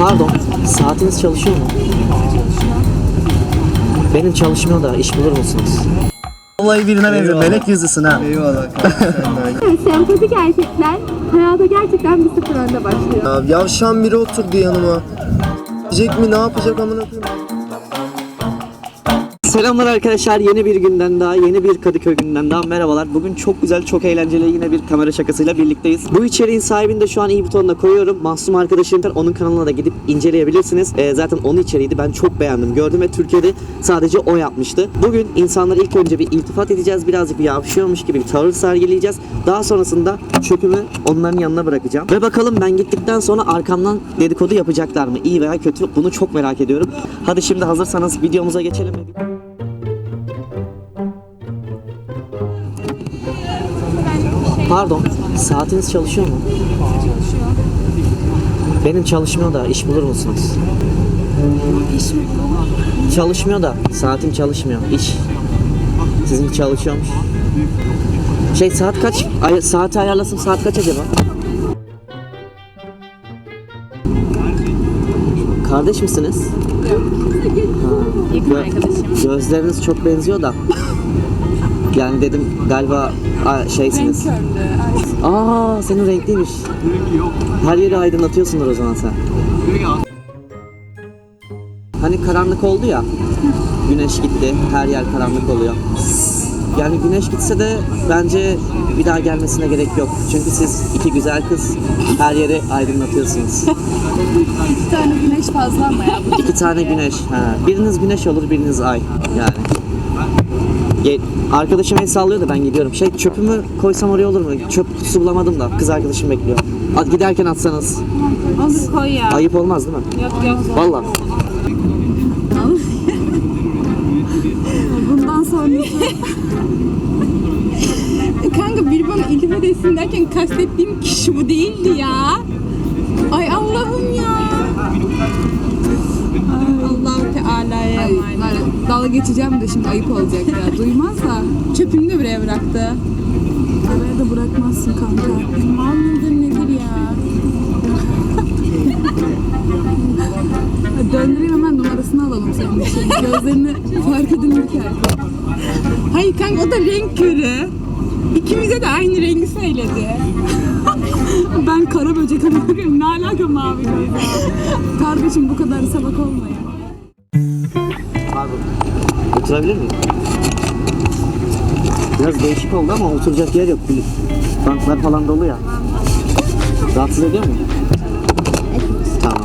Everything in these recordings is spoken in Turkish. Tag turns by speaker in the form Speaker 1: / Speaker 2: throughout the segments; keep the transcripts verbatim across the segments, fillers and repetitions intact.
Speaker 1: Pardon, saatiniz çalışıyor mu? Benim çalışmıyor da iş bulur musunuz?
Speaker 2: Vallahi birine benziyor. Melek yüzlüsün ha.
Speaker 3: Eyvallah kanka sen de.
Speaker 4: Sempatik erkekler hayata gerçekten bir sıfır önde başlıyor.
Speaker 3: Ya yavşan biri oturdu yanıma. Diyecek mi ne yapacak amına koyayım?
Speaker 1: Selamlar arkadaşlar, yeni bir günden daha, yeni bir Kadıköy günden daha merhabalar. Bugün çok güzel, çok eğlenceli yine bir kamera şakasıyla birlikteyiz. Bu içeriğin sahibini de şu an i butonuna koyuyorum. Mahsum arkadaşım, onun kanalına da gidip inceleyebilirsiniz. Ee, zaten onun içeriğiydi, ben çok beğendim, gördüm ve Türkiye'de sadece o yapmıştı. Bugün insanlara ilk önce bir iltifat edeceğiz, birazcık bir yavşıyormuş gibi bir tavır sergileyeceğiz. Daha sonrasında çöpümü onların yanına bırakacağım. Ve bakalım ben gittikten sonra arkamdan dedikodu yapacaklar mı? İyi veya kötü, bunu çok merak ediyorum. Hadi şimdi hazırsanız videomuza geçelim. Pardon, saatiniz çalışıyor mu?
Speaker 4: Çalışıyor.
Speaker 1: Benim çalışmıyor da iş bulur musunuz?
Speaker 4: İş mi?
Speaker 1: Çalışmıyor da saatim çalışmıyor. İş. Sizin çalışıyormuş. Şey saat kaç? Ay, saati ayarlasın, saat kaç acaba? Kardeş misiniz?
Speaker 4: Yakın
Speaker 1: Gö-
Speaker 4: arkadaşım.
Speaker 1: Gözleriniz çok benziyor da. Yani dedim galiba a, şeysiniz.
Speaker 4: Renk körlüğü.
Speaker 1: Aa, senin renkliymiş. Her yeri aydınlatıyorsundur o zaman sen. Hani karanlık oldu ya. Güneş gitti. Her yer karanlık oluyor. Yani güneş gitse de bence bir daha gelmesine gerek yok. Çünkü siz iki güzel kız her yeri aydınlatıyorsunuz.
Speaker 4: İki tane güneş fazla ama ya.
Speaker 1: İki tane güneş. Ha. Biriniz güneş olur, biriniz ay. Yani. Ge- Arkadaşım el sallıyor da ben gidiyorum. Şey, çöpümü koysam oraya olur mu? Çöp kutusu bulamadım da kız arkadaşım bekliyor. At, giderken atsanız.
Speaker 4: Onu koy ya.
Speaker 1: Ayıp olmaz değil mi?
Speaker 4: Yok yok.
Speaker 1: Vallahi.
Speaker 4: Bundan sonrası. Kanka biri bana iltifat etsin derken kastettiğim kişi bu değildi ya. Ay Allah'ım ya. Allah-u Teala'ya emanet. Dalga geçeceğim de şimdi ayıp olacak ya. Duymaz da. Çöpünü de buraya bıraktı. Buraya da bırakmazsın kanka. Mal mıdır nedir ya? Döndüreyim hemen, numarasını alalım senin için. Gözlerini fark edilirken. Hayır kanka, o da renk körü. İkimize de aynı rengi söyledi. Ben kara böcek anlıyorum. Ne alaka mavi göz? Kardeşim bu kadar salak olma ya.
Speaker 1: Pardon. Oturabilir miyim? Biraz değişik oldu ama oturacak yer yok. Banklar falan dolu ya. Rahatsız ediyor mu? Tamam.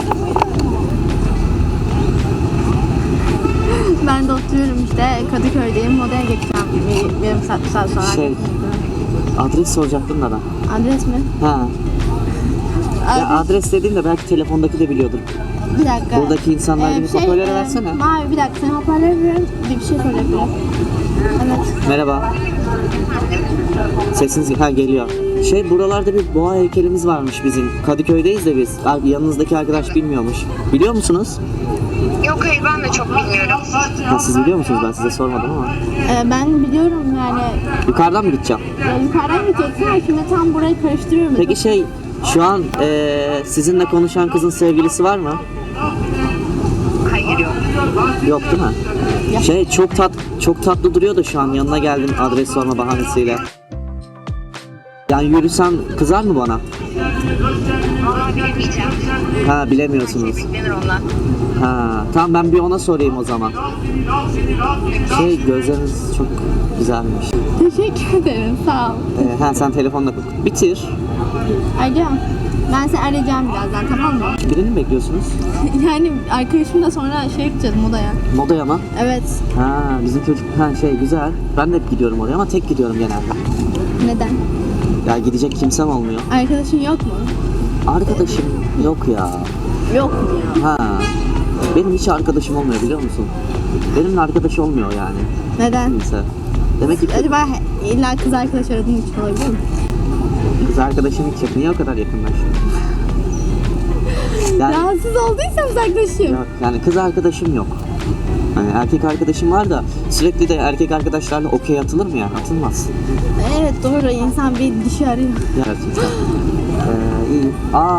Speaker 5: Ben de oturuyorum işte, Kadıköy'deyim, modaya geçeceğim bir yarım saat, bir saat sonra.
Speaker 1: Şey, adres soracaktım da ben.
Speaker 5: Adres mi?
Speaker 1: Ha. Ya adres dediğimde belki telefondaki de biliyordur.
Speaker 5: Bir dakika.
Speaker 1: Buradaki insanlar gibi hoparlöre
Speaker 5: e,
Speaker 1: versene.
Speaker 5: Mavi, bir dakika, sen hoparlöre ver, bir şey sorabilirim. Evet.
Speaker 1: Merhaba. Sesiniz ha geliyor. Şey, buralarda bir boğa heykelimiz varmış bizim. Kadıköy'deyiz de biz. Abi, yanınızdaki arkadaş bilmiyormuş. Biliyor musunuz?
Speaker 6: Yok hayır, ben de çok bilmiyorum.
Speaker 1: Ha, siz biliyor musunuz? Ben size sormadım ama.
Speaker 5: E, ben biliyorum yani,
Speaker 1: Yukarıdan mı gideceğim?
Speaker 5: ya yukarıdan gideceksin ama şimdi tam burayı karıştırıyorum.
Speaker 1: Peki şey, şu an eee, sizinle konuşan kızın sevgilisi var mı?
Speaker 6: Hayır yok.
Speaker 1: Yok değil mi? Şey, çok tat çok tatlı duruyor da şu an yanına geldim adres sorma bahanesiyle. Yani yürüsem kızar mı bana?
Speaker 6: Vallahi bilemeyeceğim.
Speaker 1: Ha, bilemiyorsunuz.
Speaker 6: Beklenir ondan.
Speaker 1: Ha, tamam, ben bir ona sorayım o zaman. Şey, gözleriniz çok güzelmiş.
Speaker 5: Teşekkür ederim, sağ ol.
Speaker 1: Ee, ha, sen telefonla bitir.
Speaker 5: Alo, ben seni arayacağım birazdan, tamam mı?
Speaker 1: Birini mi bekliyorsunuz?
Speaker 5: Yani arkadaşımla sonra şey yapacağız, modaya.
Speaker 1: Modaya mı?
Speaker 5: Evet.
Speaker 1: Ha, bizim çocuk ha şey güzel. Ben de hep gidiyorum oraya ama tek gidiyorum genelde.
Speaker 5: Neden?
Speaker 1: Ya gidecek kimsem olmuyor.
Speaker 5: Arkadaşın yok mu?
Speaker 1: Arkadaşım yok ya.
Speaker 5: Yok mu ya?
Speaker 1: Ha. Benim hiç arkadaşım olmuyor, biliyor musun? Benimle arkadaş olmuyor yani.
Speaker 5: Neden?
Speaker 1: Kimse. Demek ki
Speaker 5: Acaba illa kız arkadaş aradığın için olabilir mi?
Speaker 1: kız arkadaşım hiç yok. Niye o kadar yakınlaşıyor? Yani,
Speaker 5: Rahatsız olduysam uzaklaşayım.
Speaker 1: yok, yani kız arkadaşım yok. Hani erkek arkadaşım var da sürekli de erkek arkadaşlarla okey atılır mı ya? Atılmaz.
Speaker 5: Evet doğru, insan bir dişi arıyor.
Speaker 1: Gerçekten. Ee, iyi. Aa,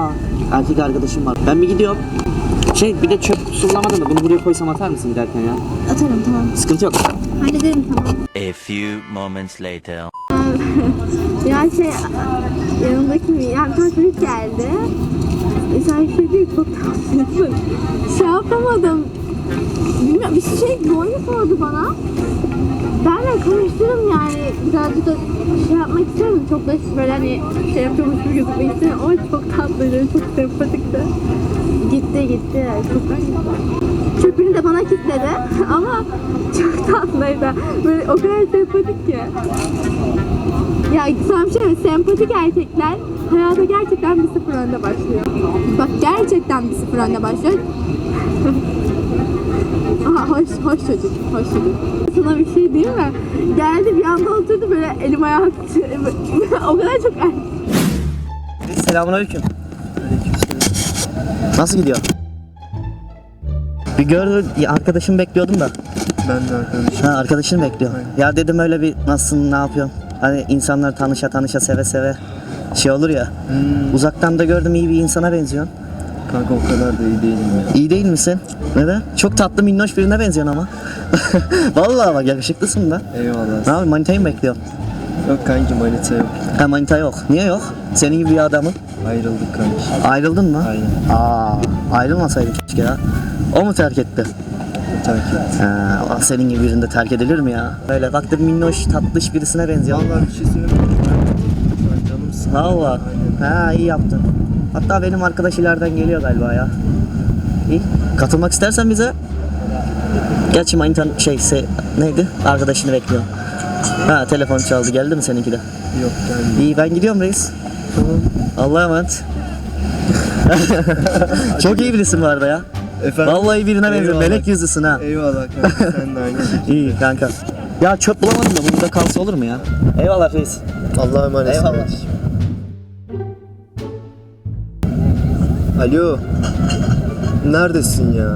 Speaker 1: erkek arkadaşım var. Ben bir gidiyorum. Şey bir de çöp kutusulamadın da bunu buraya koysam atar mısın giderken ya?
Speaker 5: Atarım tamam.
Speaker 1: Sıkıntı yok.
Speaker 5: Hallederim tamam.
Speaker 7: A few moments later.
Speaker 5: Ya şey yanımdaki bir yani bir çocuk geldi. E sen şey değil çok tatlısın. Şey yapamadım. Bilmiyorum bir şey boyu sordu bana. Ben de konuşturum yani birazcık da şey yapmak istiyorum. Çok da böyle hani şey yapıyormuş gibi gözükmek istiyorum ama çok tatlıydı, çok sempatikti. Gitti gitti. Çok çöpünü de bana kilitledi ama çok tatlıydı. Böyle o kadar sempatik ki. Ya sana bir şey mi? Sempatik erkekler hayata gerçekten bir sıfır önde başlıyor. Bak gerçekten bir sıfır önde başlıyor. Aha hoş, hoş çocuk, hoş çocuk. Sana bir şey diyeyim mi? Geldi bir anda oturdu böyle elim ayağım o kadar çok erkek.
Speaker 2: Selamünaleyküm. Nasıl gidiyor? Bir gördüm, arkadaşımı bekliyordum da.
Speaker 3: Ben de arkadaşım.
Speaker 2: Ha arkadaşını bekliyorum. Ya dedim öyle bir nasılsın, ne yapıyorsun? Hani insanlar tanışa tanışa seve seve şey olur ya.
Speaker 3: Hmm.
Speaker 2: Uzaktan da gördüm iyi bir insana benziyorsun.
Speaker 3: Kanka o kadar da iyi değilim ya.
Speaker 2: İyi değil misin? Neden? Çok tatlı minnoş birine benziyorsun ama. Vallahi bak yakışıklısın da.
Speaker 3: Eyvallah.
Speaker 2: Ne yapayım, manitayı mı bekliyorsun?
Speaker 3: Yok kanki manita yok.
Speaker 2: Ha manita yok. Niye yok? Senin gibi bir adamın.
Speaker 3: Ayrıldık kanki.
Speaker 2: Ayrıldın mı?
Speaker 3: Aynen.
Speaker 2: Aa, ayrılmasaydın keşke ya. O mu terk etti?
Speaker 3: Terk et.
Speaker 2: Ha, senin gibi birinde terk edilir mi ya? Böyle baktım minnoş tatlış birisine benziyor.
Speaker 3: Vallahi bir şey söyleyeyim mi? Ben canımsın.
Speaker 2: Valla. Ha iyi yaptın. Hatta benim arkadaş ileriden geliyor galiba ya. İyi. Katılmak istersen bize. Gerçi manitan şey se, neydi? Arkadaşını bekliyor. Ha telefon çaldı. Geldi mi seninki de?
Speaker 3: Yok gelmiyor.
Speaker 2: İyi ben gidiyorum reis.
Speaker 3: Tamam.
Speaker 2: Allah'a emanet. Çok iyi birisin bu arada ya.
Speaker 3: Efendim?
Speaker 2: Vallahi birine benziyor.
Speaker 3: Eyvallah.
Speaker 2: Melek yüzlüsün ha.
Speaker 3: Eyvallah kanka sen de aynı şekilde.
Speaker 2: İyi kanka. Ya çöp bulamadım da burada kalsa olur mu ya? Eyvallah reis.
Speaker 3: Allah'a emanet.
Speaker 2: Eyvallah.
Speaker 3: kardeşim. Alo. Neredesin ya?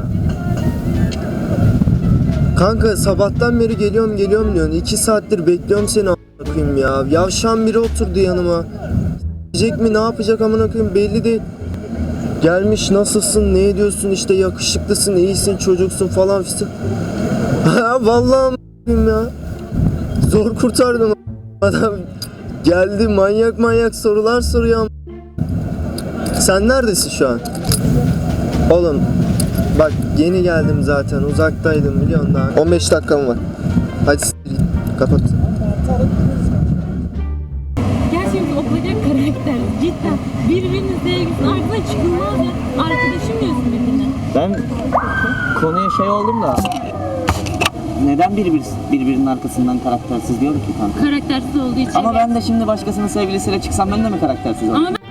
Speaker 3: Kanka sabahtan beri geliyorum geliyorum diyorsun. İki saattir bekliyorum seni amına koyayım ya. Yavşan biri oturdu yanıma. Diyecek mi ne yapacak amına koyayım belli değil. Gelmiş nasılsın ne ediyorsun işte yakışıklısın iyisin çocuksun falan filan. Ha vallahi amına koyayım ya. Zor kurtardım adam. Geldi manyak manyak sorular soruyor am- Sen neredesin şu an? Oğlum bak yeni geldim zaten uzaktaydım biliyorsun daha. on beş dakikam var. Hadi s- kapat.
Speaker 8: Gerçekten o kadar karakter cidden birbirinin sevgisinin ardına çıkılmaz ya. Arkadaşım diyorsun birbirine.
Speaker 1: Ben konuya şey oldum da neden birbir, birbirinin arkasından karaktersiz diyorum ki kanka?
Speaker 8: Karaktersiz olduğu için.
Speaker 1: Ama ben de şimdi başkasının sevgilisiyle çıksam ben de mi karaktersiz olurum?
Speaker 8: Ama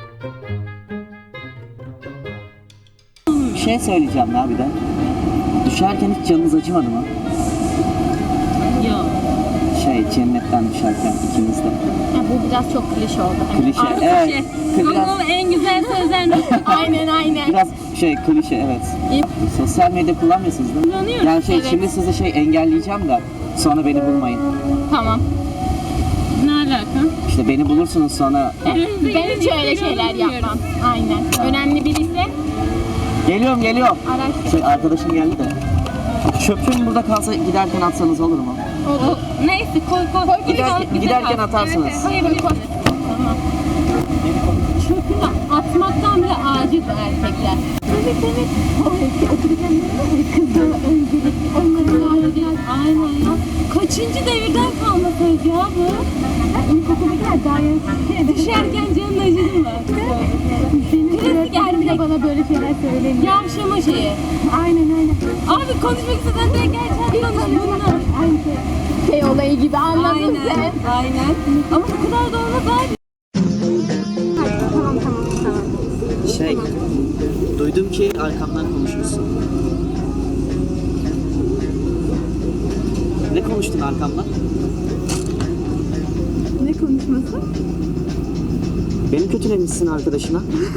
Speaker 1: Bir şey söyleyeceğim ya bir de. Düşerken hiç canınız acımadı mı?
Speaker 8: yok.
Speaker 1: Şey cennetten düşerken ikimiz de.
Speaker 5: Ya bu biraz çok klişe oldu.
Speaker 1: Klişe.
Speaker 8: Artık
Speaker 1: Evet.
Speaker 8: şey.
Speaker 1: Biraz,
Speaker 8: Konunun en güzel sözlerini.
Speaker 5: Aynen aynen.
Speaker 1: biraz şey klişe evet.
Speaker 8: İyi.
Speaker 1: Sosyal medya kullanmıyorsunuz değil mi?
Speaker 8: Kullanıyorum,
Speaker 1: Yani şey
Speaker 8: evet.
Speaker 1: şimdi sizi şey engelleyeceğim de sonra beni bulmayın.
Speaker 8: Tamam. Ne alaka?
Speaker 1: İşte beni bulursunuz sonra.
Speaker 5: Ben hiç öyle şeyler yapmam. Aynen. Önemli biriyse
Speaker 1: Geliyorum geliyorum.
Speaker 5: araştır.
Speaker 1: Şey arkadaşım geldi de. Çöpüm burada kalsa giderken atsanız olur mu?
Speaker 8: O, neyse koy koy. koy
Speaker 1: Gider- giderken atarsınız.
Speaker 8: Evet, koyabiliriz. Tamam. Çöpünü atmaktan bile aciz erkekler. Evet evet. Otururken kızlar öncelikli onların aileler. Aynen ya. Kaçıncı devirden kalma söz ya bu? İlkokuldakiler daha yeni. Düşerken canın acıdı mı? Klasik erkek.
Speaker 5: Bana böyle şeyler söylemiyor.
Speaker 8: Yavşama şeyi.
Speaker 5: Aynen aynen.
Speaker 8: Abi konuşmak istesen direkt gerçekten konuş bunlar.
Speaker 5: Aynı şey olayı gibi anladın
Speaker 8: Aynen.
Speaker 5: sen.
Speaker 8: Aynen. Ama bu kadar da olmaz abi.
Speaker 5: Tamam tamam tamam.
Speaker 1: Şey, duydum ki arkamdan konuşmuşsun. Ne konuştun arkamdan?
Speaker 5: Ne konuşması?
Speaker 1: Beni kötülemişsin arkadaşına.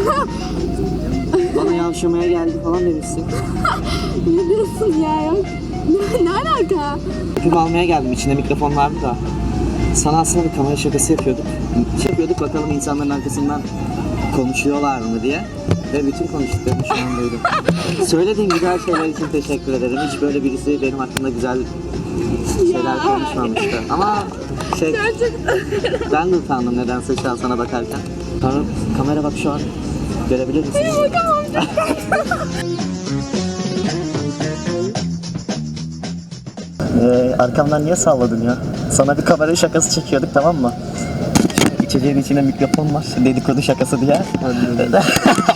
Speaker 1: Bana yavşamaya geldi falan demişsin.
Speaker 5: Ne diyorsun ya yok? Ne, ne alaka?
Speaker 1: Film almaya geldim, içinde mikrofon vardı da. Sana aslında bir kamera şakası yapıyorduk. Şey yapıyorduk bakalım insanların arkasından konuşuyorlar mı diye. Ve bütün konuştuklarımı şu an duydum. Söylediğin güzel şeyler için teşekkür ederim. Hiç böyle birisi benim hakkında güzel şeyler konuşmamıştı. Ama şey, ben de utandım nedense şu an sana bakarken. Kamera, kamera bak şu an. Görebilir misin?
Speaker 2: Ee, arkamdan niye salladın ya? Sana bir kamera şakası çekiyorduk, tamam mı? İçeceğin içine mikrofon var, dedikodu şakası diye.